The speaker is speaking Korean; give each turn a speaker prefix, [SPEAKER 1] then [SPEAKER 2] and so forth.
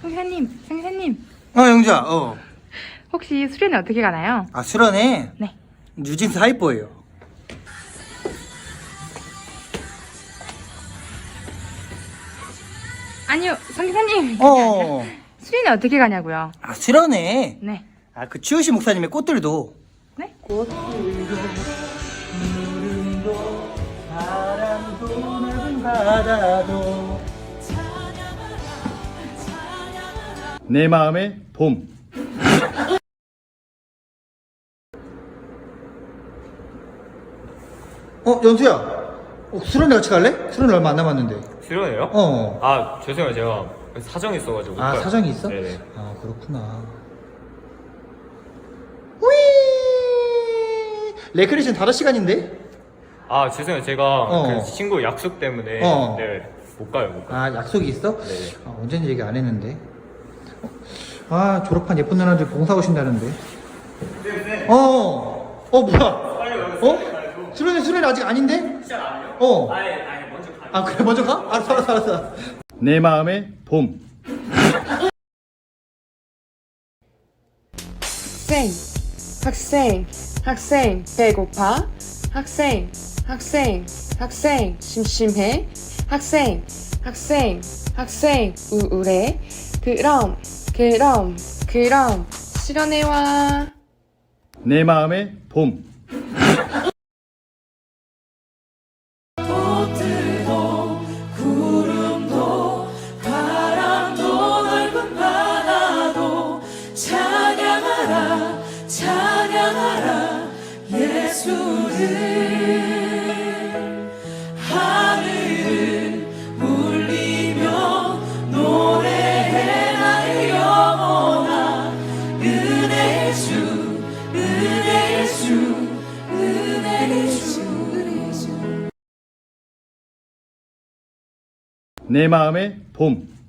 [SPEAKER 1] 성기사님.
[SPEAKER 2] 영주야,
[SPEAKER 1] 혹시 수련회 어떻게 가나요?
[SPEAKER 2] 아, 수련회?
[SPEAKER 1] 네.
[SPEAKER 2] 뉴진스 하이퍼예요.
[SPEAKER 1] 아니요, 성기사님. 그게 아니라 수련회 어떻게 가냐고요?
[SPEAKER 2] 아, 수련회?
[SPEAKER 1] 네.
[SPEAKER 2] 아, 그 추우시 목사님의 꽃들도.
[SPEAKER 1] 네?
[SPEAKER 2] 꽃들도, 누름도, 바람도, 넓은 바다도.
[SPEAKER 3] 내 마음의 봄.
[SPEAKER 2] 연수야. 수련회 같이 갈래? 수련회 얼마 안 남았는데.
[SPEAKER 4] 수련회요? 아 죄송해요, 제가 사정이 있어가지고 못
[SPEAKER 2] 아,
[SPEAKER 4] 가요.
[SPEAKER 2] 사정이 있어?
[SPEAKER 4] 네네.
[SPEAKER 2] 아, 그렇구나. 휘! 레크레이션 5시간인데?
[SPEAKER 4] 아 죄송해요, 제가
[SPEAKER 2] 어.
[SPEAKER 4] 그 친구 약속 때문에
[SPEAKER 2] 어.
[SPEAKER 4] 네, 못 가요.
[SPEAKER 2] 아, 약속이 있어?
[SPEAKER 4] 네네.
[SPEAKER 2] 아, 언제인지 얘기 안 했는데. 아, 졸업한 예쁜 누나들 봉사 오신다는데. 뭐야? 수련회 아직 아닌데? 시작 아니에요?
[SPEAKER 4] 아예 먼저 가요.
[SPEAKER 2] 아, 그래, 먼저 가? 알았어.
[SPEAKER 3] 내 마음의 봄.
[SPEAKER 5] 학생, 배고파? 학생, 심심해? 학생, 우울해? 그럼, 실현해 와.
[SPEAKER 3] 내 마음의 봄.
[SPEAKER 5] 구름도 바람도 넓은 바다도 찬양하라 예수를. 하늘을 울리며 노래해 나의 영혼아. 은혜의 주
[SPEAKER 3] 내 마음의 봄.